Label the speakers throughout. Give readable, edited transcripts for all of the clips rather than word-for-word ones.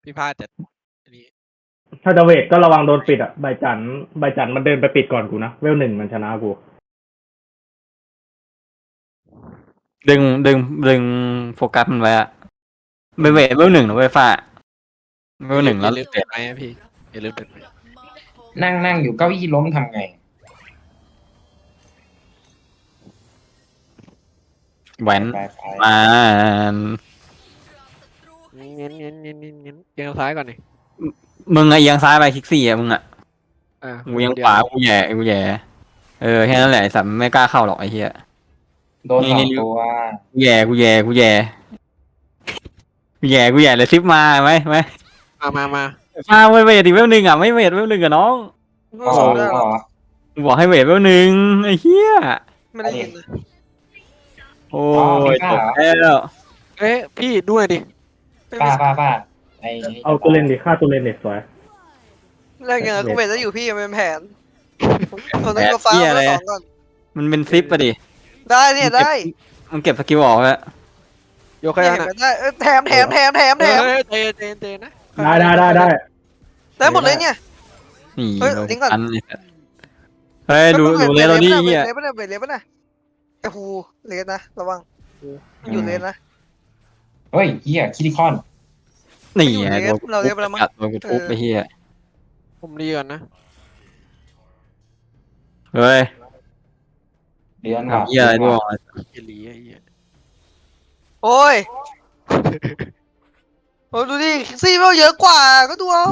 Speaker 1: พี่พลาดแต่อันนี้
Speaker 2: ถ้าจะเวทก็ระวังโดนปิดอ่ะใบจันมันเดินไปปิดก่อนกูนะเวลหนึ่งมันชนะกู
Speaker 3: ดึงโฟกัสมันไว้อะเวทเวลหนึ่งนะเว้ยฟ้าเวลหนึ่ง
Speaker 1: อ
Speaker 3: แล้ว
Speaker 1: ย่าลืมเปิดไหมค์พี่อย่าลืมเปิดไหมค์
Speaker 4: นั่งอยู่เก้าอี้ล้มทำไง
Speaker 3: แหวน
Speaker 4: ไป
Speaker 3: มา
Speaker 1: เงี้ยเอียงซ้ายก่อนนี่
Speaker 3: มึงอะเอียงซ้ายไปคลิกสี่อะมึงอะ กูยัง
Speaker 1: เดี
Speaker 3: ขวากูแย่แค่นั้นแหละไอ้สัตว์ไม่กล้าเข้าหรอกไอ้เหี้ย
Speaker 4: โดนสองตัว
Speaker 3: กูแย่เลยซิปมาไหม
Speaker 1: มา
Speaker 3: มาเวทอีกเวลหนึ่งอ่ะไม่เวทเวลหนึ่งกับน้อง
Speaker 4: ก็
Speaker 1: สองได้หรอ
Speaker 3: กูบอกให้เวทเวลหนึ่งไอ้เหี้ย
Speaker 1: ไม่ได้ยินนะ
Speaker 3: โอ้ยจบแล้ว
Speaker 1: เอ๊ะพี่ด้วยดิ
Speaker 4: ป้าไอ้
Speaker 2: เอาตัวเลนดิฆ่าตัวเลนเด็กสวย
Speaker 5: แรกยังไงก็เวทจะอยู่พี่มันเป็นแผนผมต้องมาฟ้ามาสองก่อน
Speaker 3: มันเป็นซิปอะดิ
Speaker 5: ได้เนี่ยได้
Speaker 3: มันเก็บสกิลออกแล้ว
Speaker 1: โยกแค่
Speaker 5: เห็
Speaker 1: นั้น
Speaker 5: นได้แถม
Speaker 1: เตนะ
Speaker 5: ได้หมดเลยเนี่ย
Speaker 3: นี่
Speaker 5: เฮ้ยลิงก์ก่อน
Speaker 3: เฮ้ยดูเลยเราดิเหี้ย
Speaker 5: เลฟเวทนะไอ้ฮูเลสนะระวังมันอยู่เลสนะ
Speaker 4: เฮ้ยเฮียคิริคอน
Speaker 3: นี่ไงโดน
Speaker 5: เราเรียกไปแล้วมั้ง
Speaker 3: โดนกูทุบไปเหี้ย
Speaker 1: ผมรีก่อนนะ
Speaker 3: เฮ้ย
Speaker 4: เดือน
Speaker 3: ทำเหี้ยอะไรด้วย
Speaker 1: เฮียลีไอ้เหี้ย
Speaker 5: โอ้ยโอ้ดูดิซีเวลเยอะกว่าก็ดูเอา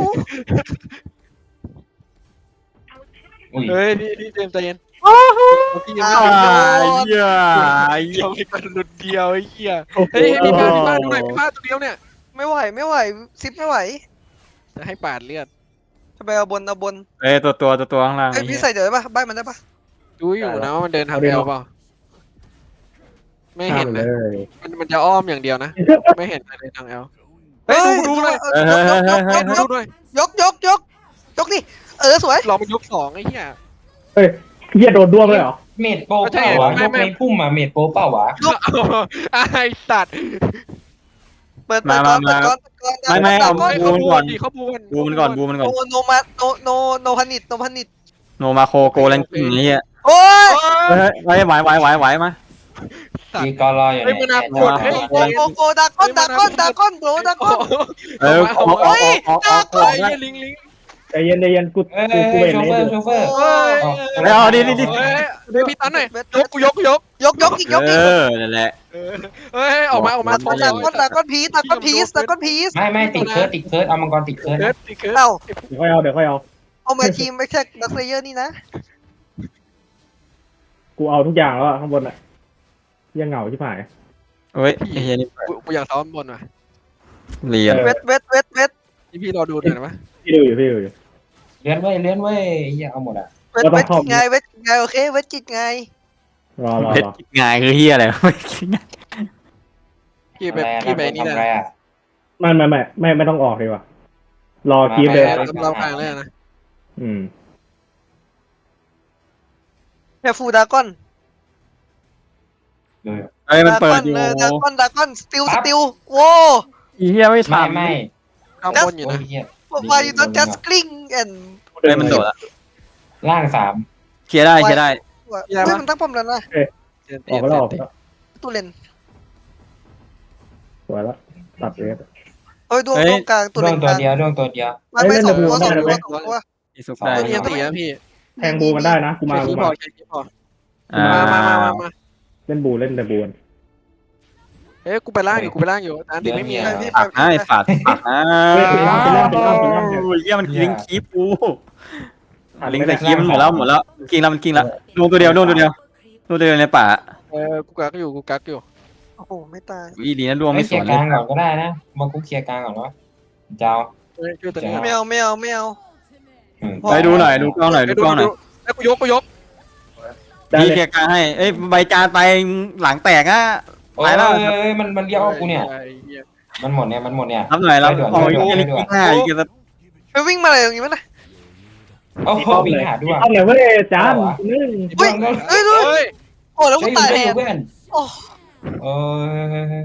Speaker 4: อุ้ย
Speaker 1: เฮ้ยนี่เจมใจเย็นพี่ยัง
Speaker 3: ไอ้
Speaker 1: ไม่โดน
Speaker 3: เหี้ยไอ้เหี้ย
Speaker 1: เราไปกันหลุดเดียวไอ้เหี้ยเฮ้ยพี่พลาดดูหน่อยพี่พลาดตัวเดียวเนี่ย
Speaker 5: ไม่ไหวซิปไม่ไหว
Speaker 1: จะให้ปาดเลือด
Speaker 5: จะไปเอาบน
Speaker 3: เอ้ยตัวข้างล่าง
Speaker 5: ไอ้พี่ใส่เดี๋ยวได้ปะใบมันได้ปะ
Speaker 1: ดูอยู่นะว่ามันเดินทางเดียวเปล่าไม่
Speaker 2: ฆ่า
Speaker 1: เห็น
Speaker 2: มันเล
Speaker 1: นะ
Speaker 2: ย
Speaker 1: มันจะอ้อมอย่างเดียวนะไม่เห็นเลยทางเอลเฮ้ยดูเลย ดูด้วย
Speaker 5: ยกนี่สวย
Speaker 1: ลองไปยกสองไอ้เหี้ย
Speaker 2: เฮ้ยเหี้ยโดนด้วงเลยเหรอ
Speaker 4: เมดโปเปล่าวะยกในพุ่มอะเมดโปเปล่าวะ
Speaker 1: ไอ้สัตว์
Speaker 5: เปิดก่อน
Speaker 3: ไม่เอา
Speaker 1: เขาบูนดิเขาบูน
Speaker 3: บูมันก่อน
Speaker 5: โนมาโนพันิด
Speaker 3: โนมาโคโกแลนกิ้งนี่อ่ะ
Speaker 5: โอ้ย
Speaker 3: ไหวมา
Speaker 4: มีกอรออยู่
Speaker 1: ไอ้มันน่ากดให้
Speaker 5: โกดากอนโบดากอน
Speaker 3: เออออก
Speaker 1: ไอ้ลิง
Speaker 2: ใจเย็นกู
Speaker 4: เอ้ย
Speaker 2: เวท
Speaker 4: โช
Speaker 2: เล
Speaker 4: เฟอร์
Speaker 3: เอาดิ
Speaker 1: เดี๋ยวพี่ตันหน่อยยก
Speaker 5: ยก
Speaker 3: นั่นแหละ
Speaker 1: เฮ้ยออกมา
Speaker 5: ดากอนพีซ
Speaker 4: ไม่ติดเคิร์ดเอามังกรติดเคิร์ด
Speaker 1: ติดเคิร์ด
Speaker 5: เอ้า
Speaker 2: เดี๋ยวค่อยเอา
Speaker 5: เอามาทีมไม่ใช่นักเลเยอร์นี่นะ
Speaker 2: กูเอาทุกอย่างแล้วข้างบนอ่ะยังเหงาชิบหาย
Speaker 3: เฮ้ยไอ้เหี้ยนี่
Speaker 1: กูอยากซ้อมบนว่ะ
Speaker 3: เรียน
Speaker 5: เวท
Speaker 1: นี่พี่รอดูหน่อยนะ
Speaker 2: พี่ดูอยู่
Speaker 4: เลื่อนเว้ยเฮียเอาหมดอ่ะ
Speaker 5: เวทไงโอเคเวทจิตไง
Speaker 2: รอ
Speaker 3: เพชรง่ายคือเหี้ยอะไรไม่คิดง่าย
Speaker 1: พี่ไปนี่แหละ
Speaker 4: อะไรอ่ะ
Speaker 2: ไม่ต้องออกดีกว่ารอคีบเลย
Speaker 1: เรากลางเลยนะ
Speaker 5: แค่ฟูดากอน
Speaker 3: เฮ้ยมันเปิดอยู่
Speaker 5: ดากอนสติลโว้
Speaker 3: อีเหี้ยไม่ทำ
Speaker 4: ไม่
Speaker 1: ข้างบนอยู่นะ
Speaker 4: เฮีย
Speaker 5: วายยูต้อง just cling and
Speaker 3: เฮ้ยมันโดดละ
Speaker 4: ล่างสาม
Speaker 3: เคลียร์ได้
Speaker 5: เฮ้ยมันตั้งป้อมแล้วนะ
Speaker 2: ออกแล้ว
Speaker 5: ตู้เลน
Speaker 2: สวยแล้วตัดเวท
Speaker 5: เฮ้ยดวงกลางตู้
Speaker 4: ด
Speaker 5: เล
Speaker 4: วง
Speaker 5: น
Speaker 4: ตัวเดียว
Speaker 5: ไม่สองตัว
Speaker 3: อีสุกได้
Speaker 1: เรียนตีนะพี่
Speaker 2: แทงบูมันได้นะกูมา
Speaker 1: ใช้คีย์บอร์ดใช้คีย์บอร์ด มา
Speaker 2: เล่นบูแต่บู
Speaker 1: เอ้ยกูไปล่างอยู่อันนี้ไม่มี
Speaker 3: ฝากนะไอ้ฝาดนะเหี้ยมันลิงคีปูลิงใส่คีมันหมดแล้วกินแล้วดวงตัวเดียวในป่า
Speaker 1: กูกักอยู่
Speaker 5: โอ้โหไม่ตาย
Speaker 3: อีดีนะดวง
Speaker 4: ไม่
Speaker 3: ไม่
Speaker 4: เค
Speaker 3: ส
Speaker 4: ลีย
Speaker 3: วน
Speaker 4: ร์
Speaker 3: เล
Speaker 4: กลาย งก่อนก็ได้นะมากูเคลียร์กลางก่อนวะเจ้า
Speaker 1: ช่วยตัวนี้
Speaker 5: ไม่เอา
Speaker 3: ไปดูหน่อยดูกล้องหน่อย
Speaker 1: ไอ้กูยก
Speaker 3: นี่เคลียร์การให้เอ้ยใบจานไปหลังแตกอ่ะ
Speaker 4: โอ้ยมันเรียกกูเนี่ยมันหมดเนี่ย
Speaker 3: รับหน่อยรับโอ้ยลิงกี้ห้าอีกแล้ว
Speaker 5: ไปวิ่งมาอะไรอย่างงี้มั้ยนะ
Speaker 4: โอ้โหวิ่งหาด้วย
Speaker 2: เอาเลยเว้ยจานนึง
Speaker 5: เฮ้ยโอ้แล้วกูตายแทน
Speaker 4: เพื่อน
Speaker 5: โอ้
Speaker 4: โอ้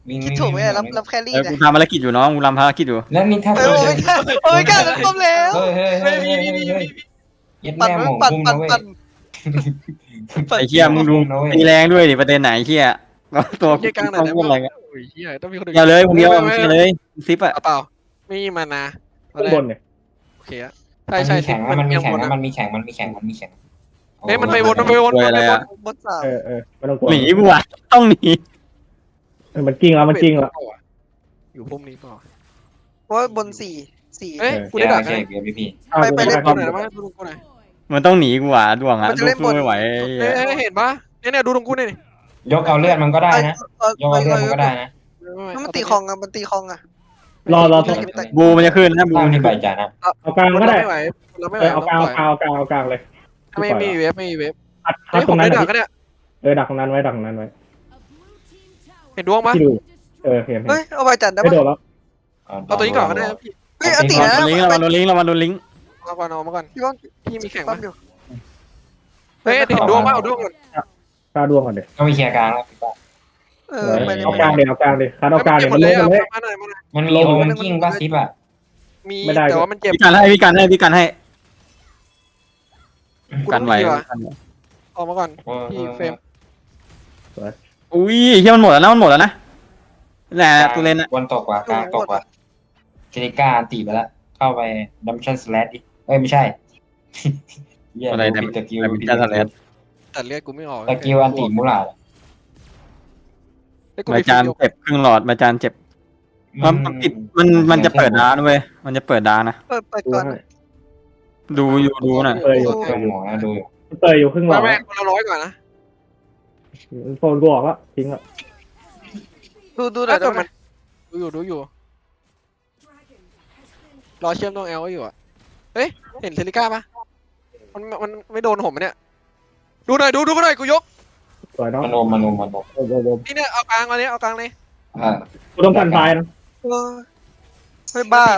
Speaker 4: วิ่ง
Speaker 5: คิดถูกไหมอะรับแครี่
Speaker 3: เออ
Speaker 5: เนี่
Speaker 3: กู
Speaker 5: ย
Speaker 3: ทำภารกิจอยู่น้องกูทำภารกิจอยู่
Speaker 4: แล้วนี่ถ้า
Speaker 5: เออโอ้ยกล้าจะต้มแล้ว
Speaker 4: เฮ้ยยัด
Speaker 5: ปั่น
Speaker 4: แม่หมง
Speaker 5: ปั่น
Speaker 4: พุ่ง
Speaker 5: ปั่
Speaker 4: นะ
Speaker 5: น
Speaker 4: เว้ย
Speaker 5: ปั่น
Speaker 3: ไอ้เหี้ยมึงดูตีแรงด้วยดิประเด็นไหนเหี้ยตัวกู
Speaker 1: เฮียกลางไหน
Speaker 3: ต้อง
Speaker 1: ได้
Speaker 3: พูดอะไร
Speaker 1: บ้าง
Speaker 3: กัน
Speaker 1: โอ้ยเฮียต้องมีคน
Speaker 3: อย่าเลยมึงเดียวมึงเลยซิปอะ
Speaker 1: เปล่าไม่มีมานา
Speaker 2: ข้างบนเนี่ย
Speaker 1: โอเคอะ
Speaker 4: มั
Speaker 1: ใช่
Speaker 4: น
Speaker 1: ใช่
Speaker 4: มีแข่งนะมันมี
Speaker 1: ยัง
Speaker 4: แข่ง
Speaker 1: บน
Speaker 4: นะ
Speaker 1: อะ
Speaker 4: มันมีแข่ง
Speaker 1: เฮ้ยมันไปวนมันไปวน
Speaker 3: อะไรอะ
Speaker 5: บนสาม
Speaker 2: ไม่ต้องกลัว
Speaker 3: หนีกูอะต้องหนี
Speaker 2: มันจริงแล้วมันจริงแล้ว
Speaker 1: อยู่พุ่มนี้ต่อ
Speaker 5: เพราะว่าบนสี่
Speaker 1: เฮ้ยกู
Speaker 4: กู
Speaker 1: ได้
Speaker 4: ได้
Speaker 1: ดั
Speaker 4: ดั
Speaker 1: ก
Speaker 4: ก
Speaker 1: ไง
Speaker 4: ใช่เบียร์พี่
Speaker 5: ไป
Speaker 1: ดู
Speaker 5: เล่น
Speaker 1: กู
Speaker 5: บน
Speaker 1: หน่อยมาดูกูหน่อย
Speaker 3: มันต้องหนีกูอะดวงอะ
Speaker 5: มันจะ
Speaker 3: ดว
Speaker 5: เล่
Speaker 3: ง
Speaker 5: น
Speaker 3: สู้
Speaker 5: บน
Speaker 3: ไม่ไหว
Speaker 1: เฮ้ยเห็นปะเนี่ยดูตรงกูนี่
Speaker 4: ยกเอาเลือดมันก็ได้นะยกเอาเลือดมันก็ได้นะ
Speaker 5: มันตีคองอะมันตีคองอะ
Speaker 2: รอ
Speaker 3: บูมันจะขึ้นนะบู
Speaker 4: ตาม
Speaker 3: มัน
Speaker 4: ที่
Speaker 3: จะ
Speaker 4: ใบ
Speaker 3: ขึ้น
Speaker 4: จ่านะ
Speaker 2: เอากลางก็ได้
Speaker 1: ไม่ไหวเราไม่ไหว
Speaker 2: เอากลางเลย
Speaker 1: ไม่มีเวฟไม่มีเวฟ
Speaker 2: อัด
Speaker 1: เฮ้ย
Speaker 2: ต
Speaker 1: ผ
Speaker 2: ร
Speaker 1: ม
Speaker 2: งนั้น
Speaker 1: ได้ดักเนี่ย
Speaker 2: ดักตรงนั้นไว้ดักตรงนั้นไว้
Speaker 1: เห็นดวงปะ
Speaker 2: ที่ดูเห็น
Speaker 5: เฮ้ยเอาใบจันได้
Speaker 2: ไม่
Speaker 5: ปะ
Speaker 2: โดนแล้ว
Speaker 1: เอาตัวนี้ก่อนก็ได้พี่
Speaker 5: เฮ้ยอติ
Speaker 3: ระ
Speaker 5: นะ
Speaker 3: วังโดนลิงก์ระวังโดนลิงก์
Speaker 1: เอาก่อนเอามาก่อน
Speaker 5: พี่ก้อน
Speaker 1: พี่มีแข่ง
Speaker 5: ปั๊
Speaker 1: ปะ
Speaker 5: มอยู่
Speaker 1: เฮ้ยเห็นดวงปะเอาดวงก่อน
Speaker 2: กล้าดวงก่อนเดี๋ยว
Speaker 4: ก็มีเคลียร์กลางแล้ว
Speaker 5: ไปเลย
Speaker 2: เอากลางเดี๋ยวคัดเอากลางเดี๋ยว
Speaker 1: หม
Speaker 2: มั
Speaker 1: ด
Speaker 2: น
Speaker 1: เล
Speaker 2: ล
Speaker 1: ย
Speaker 2: งกันเลย
Speaker 1: มาหน่อยมาหน่อย
Speaker 4: มันมีโอมกิ้งบ้าซิปอ่ะ
Speaker 1: มีแต่ว่ามันเจ็บ
Speaker 3: พี่กันให้กันไหว
Speaker 1: ออกมาก่อนพี่เฟรม
Speaker 3: อุ้ยเฮียมันหมดแล้วนะแหละตัวเล่นอะ
Speaker 4: วันตกกว่ากลางตกกว่าเจนิก้าอันตีไปแล้วเข้าไปดัมชั่นสแลดอีกไม่ใช่ผิดตะกิ้ว
Speaker 1: แต่เลือดกูไม่ออก
Speaker 4: ตะกิ้วอันตีมูลา
Speaker 3: ใบจานเจ็บครึ่งหลอดใบจานเจ็บมันติดมันจะเปิดร้านเว้ยมันจะเปิดร้านนะ
Speaker 5: เปิดก่อน
Speaker 3: ดูอยู่ดูน่ะ
Speaker 2: เปิดอยู่
Speaker 4: เครื่องหมอนะดู
Speaker 2: เปิดอยู่ครึ่งหลอด
Speaker 1: แม่คนละ100ก่อนนะ
Speaker 2: โฟนกูออกแล้วทิ้งแล้ว
Speaker 5: ดูหน่อยได้
Speaker 1: แต่
Speaker 5: ไหม
Speaker 1: มันดูอยู่รอเชื่อมตรง L ไว้อยู่อะเฮ้ยเห็นเซริก้าปะมันไม่โดนผมเนี่ยดูหน่อยดูหน่อยกูยก
Speaker 2: สวยเนาะ
Speaker 4: มันโอม
Speaker 1: นี่เนี่ยเอากลางเลยเอากลางเลย
Speaker 2: กูต้องกันซ้ายนะ
Speaker 5: เฮ้ยบ้า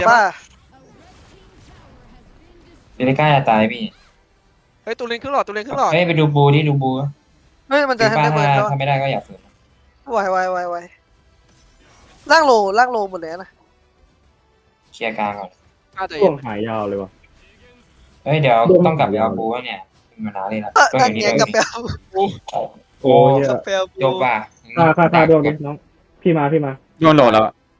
Speaker 4: เจนิก้าจะตายพี่
Speaker 1: เฮ้ยตัวเลนครึ่งหลอด
Speaker 4: เฮ้ยไปดูบูดิดูบู
Speaker 5: เฮ้ยมันจะ
Speaker 4: ป้า
Speaker 5: ทำได้เหมือนกัน
Speaker 4: ถ้าไม่ได้ก็อย่าฝืน
Speaker 5: ไวล่างโลหมดเลยนะ
Speaker 4: เคลียร์กลางก่อน
Speaker 1: น่าจะ
Speaker 2: ช่วงหายยาวเลยว่ะ
Speaker 4: เฮ้ยเดี๋ยวต้องกลับไปเอาบูเนี่ยมันนานเลยนะต้อง
Speaker 5: กั
Speaker 4: อน ย่างนี้
Speaker 5: เงียกับแปล
Speaker 2: โอ้ย
Speaker 5: กับแปล
Speaker 4: โยกป่ะ
Speaker 2: ค่าดวงดิน้องพี่มา
Speaker 3: โยนโดดแล้ว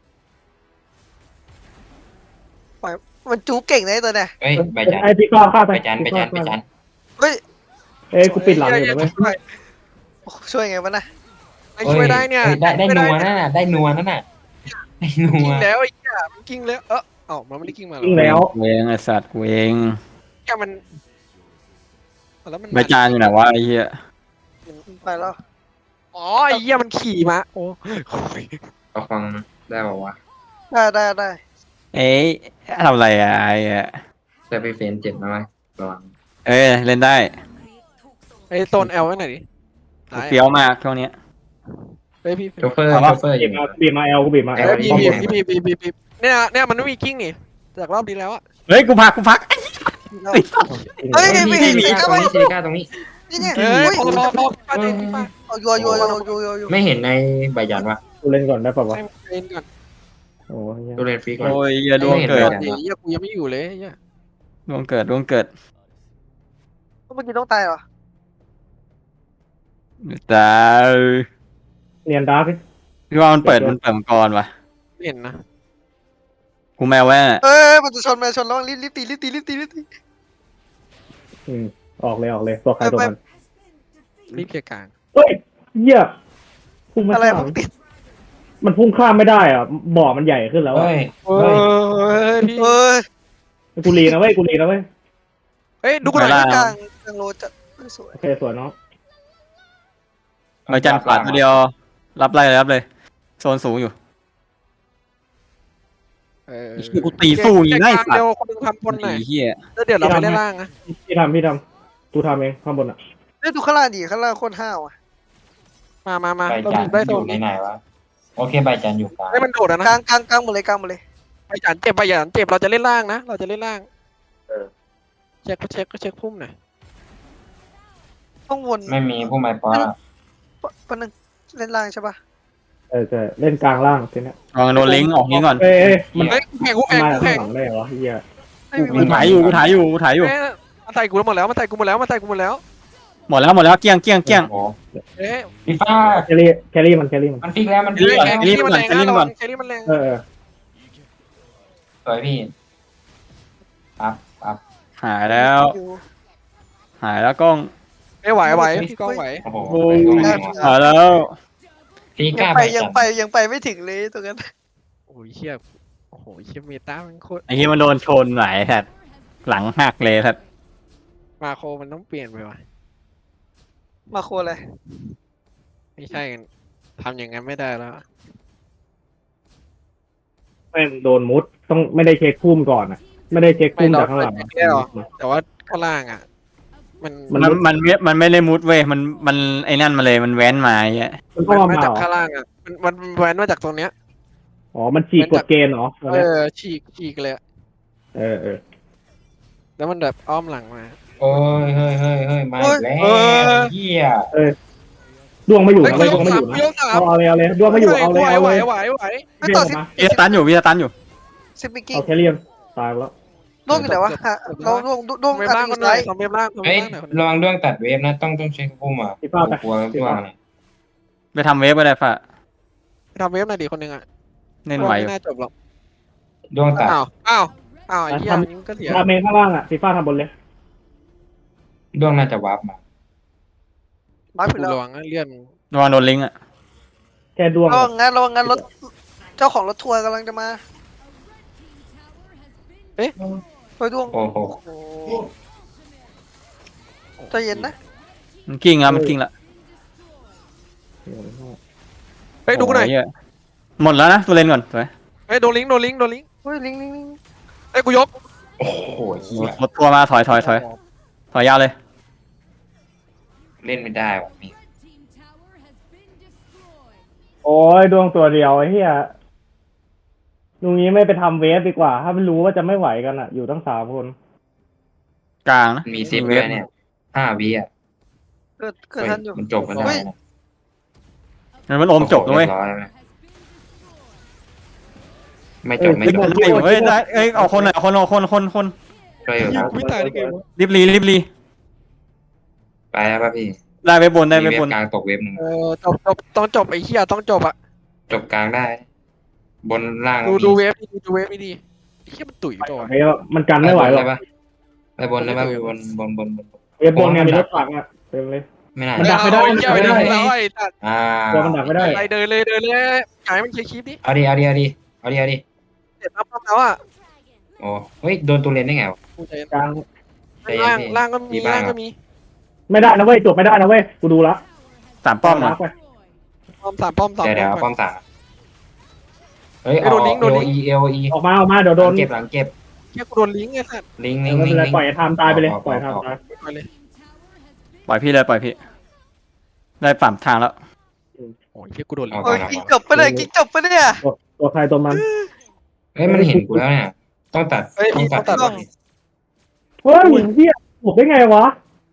Speaker 5: มันจูเก่งนะตัวเนี่ย
Speaker 4: เฮ้ยใบจัน
Speaker 2: ไอพี่ก้อนฆ่าไป
Speaker 4: ใบจัน
Speaker 5: เฮ้ย
Speaker 2: เอ้ยกูปิดหลังอยู่เลย
Speaker 5: ช่วยไงวะนะ
Speaker 1: ไม่ช่วยได้เนี่ย
Speaker 4: ได้นัวนั่นน่ะได้นัวนั่นน่ะได้นัว
Speaker 1: กิ้งแล้วไอ้เหี้ยมันกิ้งแล้วมันไม่ได้กิ้งมาหรอ
Speaker 2: ยิงแล้ว
Speaker 3: กูเองไอสัตว์กูเอง
Speaker 1: แกมันแล้วมัน
Speaker 3: ใบจานอยู่ไหนวะไอ้เหี้ย
Speaker 5: ไปแล้ว
Speaker 1: อ๋อไอ้เหี้ยมันขี่มาโอ้
Speaker 4: เอาฟังได้ป่าวะ
Speaker 5: ได้
Speaker 3: เอ้ยทำอะไรอะไอ้อะ
Speaker 4: จะไปเฟนเจ็บนะมั้ยระวัง
Speaker 3: เอ้ยเล่นได้
Speaker 1: ไอ้โซน L ไว้ไหนดิ
Speaker 3: เฟี้ยวมากช่วงนี้
Speaker 1: เฮ้ยพี่
Speaker 4: โชเฟอร์อยู่
Speaker 2: บีบมาเอลกูบีบมาเอล
Speaker 1: พี่เนี่ยมันไม่มีกิ้งนี่จากรอบนี้แล้วอะ
Speaker 3: เฮ้ยกูพัก
Speaker 5: เฮ้ยไม่เห็น
Speaker 4: ซิลิ
Speaker 5: ก็ไม่
Speaker 4: ก้าตรงนี้
Speaker 5: นี่เนี่ย
Speaker 1: เฮ้ยพอ
Speaker 5: เอายัว
Speaker 4: ไม่เห็นในใบยันวะ
Speaker 2: กูเล่นก่อนได้ป่าวะ
Speaker 1: ให้เล่นก่อน
Speaker 2: โอ้ย
Speaker 4: ตัวเล่นฟรีก่อน
Speaker 3: โอ้ยอย่าดวงเกิด
Speaker 1: เหี้ยกูยังไม่อยู่เลยเหี้ย
Speaker 3: ดวงเกิด
Speaker 5: เมื่อกี้ต้องตายเหรอ
Speaker 3: ตาย
Speaker 2: เนียนดาร์ก
Speaker 3: พี่ว่ามันเปิดมังกรวะ
Speaker 1: ไม่เห็นนะ
Speaker 3: กูแมวแว่
Speaker 5: มันจะชนแล้วรีบตี
Speaker 2: ออกเลยตัวใครตัวมัน
Speaker 1: รีบเคลียร์กลาง
Speaker 2: เฮ้ยเหี้ยพุ่งไม่
Speaker 5: อะไร
Speaker 2: ข้าม
Speaker 5: มันติด
Speaker 2: มันพุ่งข้ามไม่ได้อ่ะบ่อมันใหญ่ขึ้นแล้ว
Speaker 4: เฮ้ย
Speaker 1: พี่
Speaker 2: กูรีนะเว้ย
Speaker 1: เฮ้ยดูกูหน่อย
Speaker 5: กลางโลจะสวย
Speaker 2: โอเคสวยเนาะ
Speaker 3: ใบจานขวาตัวเดียวรับเลยโซนสูงอยู่กูตีสู้อย่างง่ายสัต
Speaker 1: เดียว
Speaker 3: ว์
Speaker 1: คนนึงทำบนหน่อย
Speaker 3: เหี้ย
Speaker 1: แล้วเดี๋ยวเราไปเล่นล่างนะ
Speaker 2: พี่ทำกูทำเองข้างบนอ่ะ
Speaker 5: ดูข้างล่างดิข้างล่างโคตรห้าวอ่ะ
Speaker 1: มา
Speaker 4: ใบ
Speaker 1: เรา
Speaker 4: จัน
Speaker 1: ได้
Speaker 4: อ
Speaker 1: โซ
Speaker 4: ยู่
Speaker 1: น
Speaker 4: ในไหนวะโอเคใบจันอยู่กลาง
Speaker 1: ให้มันโดดนะ
Speaker 5: กลางหมดเลย
Speaker 1: ไปหยันเจ็บเราจะเล่นล่างนะเราจะเล่นล่างเช็คพุ่มหน่อย
Speaker 5: ต้องวน
Speaker 4: ไม่มีผู้ไม้ปอ
Speaker 5: ปนึงเล่นล่างใช่ปะ
Speaker 2: เอใช่เล่นกลางล่างทีเนี้ย
Speaker 3: ลองโดนลิงก์ออกนี้ก่อน
Speaker 2: เอ้ยมัน
Speaker 1: เฮ้ยกูแข่ง
Speaker 2: มา
Speaker 1: กู
Speaker 2: จาก
Speaker 1: แข่
Speaker 2: ข้าง งหลังได้เหรอวะเฮีย
Speaker 5: ไม่มี
Speaker 3: กูถ่ายอยู่กูถ่ายอยู่กูถ่ายอยู่
Speaker 1: เอ๊ะมันใส่กูหมดแล้วมันใส่กูหมดแล้วมันใส่กูหมดแล้ว
Speaker 3: หมดแล้วเกลี้ยงเกลี้ยงเกลี้ยง
Speaker 4: โอ้
Speaker 1: เอ๊ะ
Speaker 4: พี่ฟ้า
Speaker 2: แครี่มัน
Speaker 4: มันฟิกแล้วมัน
Speaker 1: แค
Speaker 4: ฟิก
Speaker 1: รี่
Speaker 4: แล้ว
Speaker 1: มันแรงนะระวังแครี่มันแรง
Speaker 2: เออ
Speaker 4: สวยพี่ปั๊บ
Speaker 3: หายแล้วกล้อง
Speaker 1: ไม่ไหวพี่ก้องไหว
Speaker 4: โอ้โห
Speaker 3: โอ้ยหายแล้ว
Speaker 4: พี่ก
Speaker 5: ยั
Speaker 4: ล้าง
Speaker 5: ไป
Speaker 4: ไป
Speaker 5: ยังไปไม่ถึงเลยตรงนั้น
Speaker 1: โอ้ยเชี่ยโอ้โหเชี่ยเมตามันโคตร
Speaker 3: ไอ้ที่มันโดนชนไหลสัตว์หลังหักเลยสัตว์
Speaker 1: มาโคมันต้องเปลี่ยนไปว่ะ
Speaker 5: มาโคอะไร
Speaker 1: ไม่ใช่กันทำอย่างนั้นไม่ได้แล้ว
Speaker 2: แม่งโดนมุดต้องไม่ได้เช็คพุ่มก่อนอ่ะ ไม่ได้เช็คพุ่มจากข้างหลัง
Speaker 1: ไม่หรอกแต่ว่าข้างล่างอ่ะ มัน
Speaker 3: มันไม่ได้มุดเว้ยมันไอ้นั่นมาเลยมันแว้นมาไอ้เงี้ย
Speaker 2: มันก็
Speaker 1: มัน
Speaker 2: มา
Speaker 1: มา
Speaker 2: เห
Speaker 1: จาก
Speaker 2: รอ
Speaker 1: ข้างล่างอ่ะมันแวนมาจากตรงเนี้ย
Speaker 2: อ๋อมันฉีกกฎเกณฑ์เหรอ
Speaker 1: ฉีกเลยอะ
Speaker 2: เออ
Speaker 1: แล้วมันแบบอ้อมหลังมา
Speaker 4: โอ้ยเฮ้ยมาอีกแล้วเฮีย
Speaker 2: ดวงไม่อยู่
Speaker 1: เฮ้ย
Speaker 2: นะ
Speaker 1: กู
Speaker 2: เว้ย
Speaker 1: ย
Speaker 2: ดว
Speaker 1: ก
Speaker 2: งไม่อ
Speaker 1: สาม
Speaker 2: ยู่
Speaker 1: กู
Speaker 2: นะ
Speaker 1: ยกสาม
Speaker 2: เอาเลยดวงไม่อยู่เอาเลย
Speaker 1: ไหว
Speaker 5: ไม่ต่อ
Speaker 2: เด้งออกมา
Speaker 3: วิสตันอยู่
Speaker 5: ซิปิกิ้ง
Speaker 2: เอาแคเรียนตายแล้ว
Speaker 5: ล่วงอยู่ไหนวะฮะเราล่วง
Speaker 1: เว็บ
Speaker 5: อั
Speaker 1: ล่าง
Speaker 5: น
Speaker 1: คน
Speaker 5: นี้
Speaker 1: ไหน
Speaker 5: ไซด์
Speaker 1: ทำเว็บล่างทำ
Speaker 4: เฮ้
Speaker 1: เว็
Speaker 4: ย
Speaker 1: บล่างหน่อย
Speaker 4: ระวังด้วงตัดเวฟนะต้องเช็คพุ่มอ่ะกลัวด้วง
Speaker 3: ไปทำเวฟก็ได้ฝ่ะ
Speaker 1: ทำเว็บหน่อยดิคนหนึ่งอ่ะ
Speaker 3: เล่นไหวอยู่
Speaker 1: ไม่น่าจบหรอก
Speaker 4: ด้วงตัด
Speaker 1: อ้าวไอ้เหี้ยนี่ก็เสีย
Speaker 2: ทำเมงข้างล่างอ่ะฟีฟ่าทำบนเลย
Speaker 4: ด้วงน่าจะวาร์ปมา
Speaker 5: มาผิดแล้ว
Speaker 1: ระวังเลื่อน
Speaker 3: ระวังโดนลิงก์อ่ะ
Speaker 2: แค่ดวง
Speaker 5: ระวังงานรถเจ้าของรถทัวร์กำลังจะมาเฮ้ยดวง
Speaker 4: โอ้โห
Speaker 5: โอ้ใจเย็นนะ
Speaker 3: มันกิ้งแล้วมันกิ้งแล้ว
Speaker 1: เฮ้ยดูหน่อย
Speaker 3: โเหมดแล้วนะตัวเล่นก่อนสวย
Speaker 1: เฮ้ยโดนลิงก์
Speaker 5: เฮ้ยลิง
Speaker 1: เฮ้ยกูยก
Speaker 4: โอ้โหเฮีย
Speaker 3: รถทัวร์มาถอยยาวเลย
Speaker 4: เล่นไม่ได้ว่ะพี่
Speaker 2: โอ้ยดวงตัวเดียวไอ้เหี้ยลุงนี้ไม่ไปทำเวฟดีกว่า ถ้าไม่รู้ว่าจะไม่ไหวกันอ่ะ อยู่ตั้ง3 คน
Speaker 3: กลางนะ
Speaker 4: มีซิปด้วยเนี่ย5 วิอ่ะ
Speaker 5: เกิดทันอยู่
Speaker 4: มันจบกันได้นะ
Speaker 3: มันอมจบนะเว้ย
Speaker 4: ไม่จบไม่
Speaker 3: เฮ้ย
Speaker 4: จบ
Speaker 3: ได้อยู่เฮ้ยได้เอ้ยเอาคนหน่อยเอาคน
Speaker 4: ได้อยู่
Speaker 1: ยิ
Speaker 4: ค
Speaker 1: ง
Speaker 4: รับ
Speaker 1: กูไม่ตายได้ไงวะ
Speaker 3: รีบรี
Speaker 4: ไปแล้วป่ะพี่
Speaker 3: ได้เว็บบนได้
Speaker 4: มี
Speaker 3: เว็บ
Speaker 4: เว็
Speaker 3: บบ น
Speaker 4: กลางตกเว็บหนึ่ง
Speaker 1: จบต้องจบไอ้เหี้ยต้องจบอ่ะ
Speaker 4: จบกลางได้ บนล่าง
Speaker 1: ดูเว็บดีไอ้เหี้ยมันตุ๋ยตัว
Speaker 2: ไอ้มันกันไม่ไหวหรอก
Speaker 4: ไปบนได้ป่ะบน
Speaker 2: เวฟบนเนี่ยมีรถถังอ่ะเต็มเลย
Speaker 4: ไม่น่า
Speaker 2: มันดักไม่ได้
Speaker 1: ไอ้เหี้ยไม่ได้แล้วไอ้ตัด
Speaker 2: ตัวมันดักไม่ได้
Speaker 1: ไปเดินเลยไก่มันเคลียร์คลิปดิ
Speaker 4: เอาดิ
Speaker 1: เสร็จแล้วแล้วอ่ะ
Speaker 4: โอ้เฮ้ยโดนตัวเลนได้ไงวะ
Speaker 1: กูใจ
Speaker 2: กลาง
Speaker 1: ล่างก็มี
Speaker 2: ไม่ได้นะเว้ยจบไม่ได้นะเว้ยกูดูละ
Speaker 3: สามป้อม
Speaker 2: นะ
Speaker 3: นะ
Speaker 2: ไป
Speaker 1: ป้อม
Speaker 4: เดี๋ยวป้อมสามเฮ้ย
Speaker 1: โดนลิงก์
Speaker 4: เอลอี
Speaker 2: ออกมาเดี๋ยวโดน
Speaker 4: เก็บหลังเก็บ
Speaker 1: เหี้ยกูโดนลิงก์ไอ้สัตว์
Speaker 4: ลิง
Speaker 2: ไม่เป็นไรปล่อยไอ้ไทม์ตายไปเลยปล่อยไทม์ตาย
Speaker 1: ไปเลย
Speaker 3: ปล่อยพี่เลยปล่อยพี่ได้ปั่มทางแล้ว
Speaker 1: โอ้ยเหี้ยกูโดนลิงก์
Speaker 5: โอ้ยกิ๊กจบไปเลยกิ๊กจบไปเนี่ย
Speaker 2: ตัวใครตัวมัน
Speaker 4: เฮ้ยมันเห็นกูแล้วเนี่ยต้องตัด
Speaker 2: เฮ้ยเฮียถูกได้ไงวะ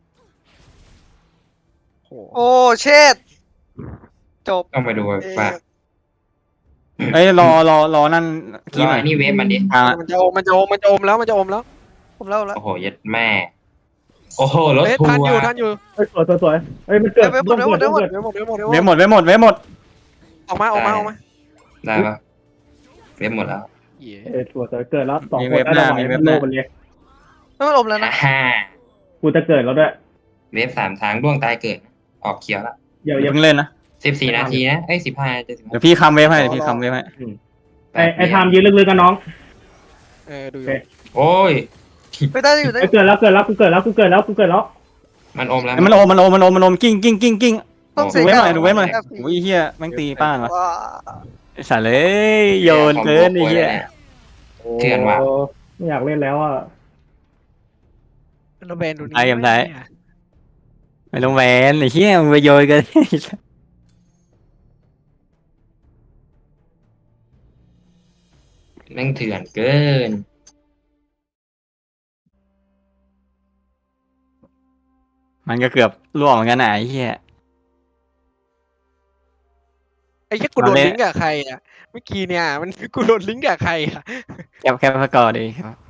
Speaker 5: โอ้เช็ดจบ
Speaker 4: ต้องไปดูป่ะ
Speaker 3: เอ้ยรอนั่น
Speaker 4: รอนี่เว็บมันดิ
Speaker 3: กลาง
Speaker 1: มันจะอมแล้ว
Speaker 5: ผมเล่าแล้ว
Speaker 4: โอ้โหยัดแม่ โอ้โหรถ
Speaker 1: เฮ้ย
Speaker 4: ทัว
Speaker 1: ทันอยู่
Speaker 4: ร์
Speaker 2: เฮ้ยสวยเฮ้ยมันเกิดเกิด
Speaker 1: เว็บหมด
Speaker 3: เว็บหมด
Speaker 1: ออกมา
Speaker 4: ได้ปะเว็บหมดแล้ว
Speaker 1: เหี้ย
Speaker 2: สวยเกิดแล้ว2 คนได้ไหวโลมันเลย
Speaker 5: ไม่มันอมแล้วนะ
Speaker 4: ฮ่า
Speaker 2: กูจะเกิดแล้วด้วย
Speaker 4: เว็บ3 ทางด้วงตายเกิด ออกเขียวแล้ว
Speaker 2: อย่า
Speaker 3: เพิ่งเล่นนะ
Speaker 4: 14 นาทีนะเอ้ย15จะ
Speaker 3: เดี๋ยวพี่คำเว็บให้พี่คำเว็บให้
Speaker 2: ไอ้ไทม์ยืนลึกๆกันน้อง
Speaker 1: ดู
Speaker 4: โอ้ย
Speaker 5: ไม่ได้อยู่ได้
Speaker 2: เกิดแล้วกูเกิดแล้ว
Speaker 4: มันอมแล้ว
Speaker 3: มันโอมกิ้ง
Speaker 5: ต้อง
Speaker 3: ดู
Speaker 5: เสีย
Speaker 3: เว็บหน่อยดูเว็บหน่อยโอ้ยเฮียแม่งตีป้านวะ
Speaker 5: ว้า
Speaker 3: ไอ้สัตว์เลยโยนเกินไอ้เฮีย
Speaker 4: เถื่อนว่ะ
Speaker 2: ไม่อยากเล่นแล้วอ่ะ
Speaker 1: โนแบนดูนี่
Speaker 3: ไม่ต้องแหวนไอ้เฮียมึงไปโยนกัน
Speaker 4: แม่งเถื่อนเกิน
Speaker 3: มันก็เกือบล่วงเหมือนกันนะไอ้เฮีย
Speaker 1: ไอ้แค่กูโดนลิงก์กับใครอ่ะเมื่อกี้เนี่ยมันกูโดนลิงก์กับใครอ่ะ
Speaker 3: แคปสกอร์ดีครับ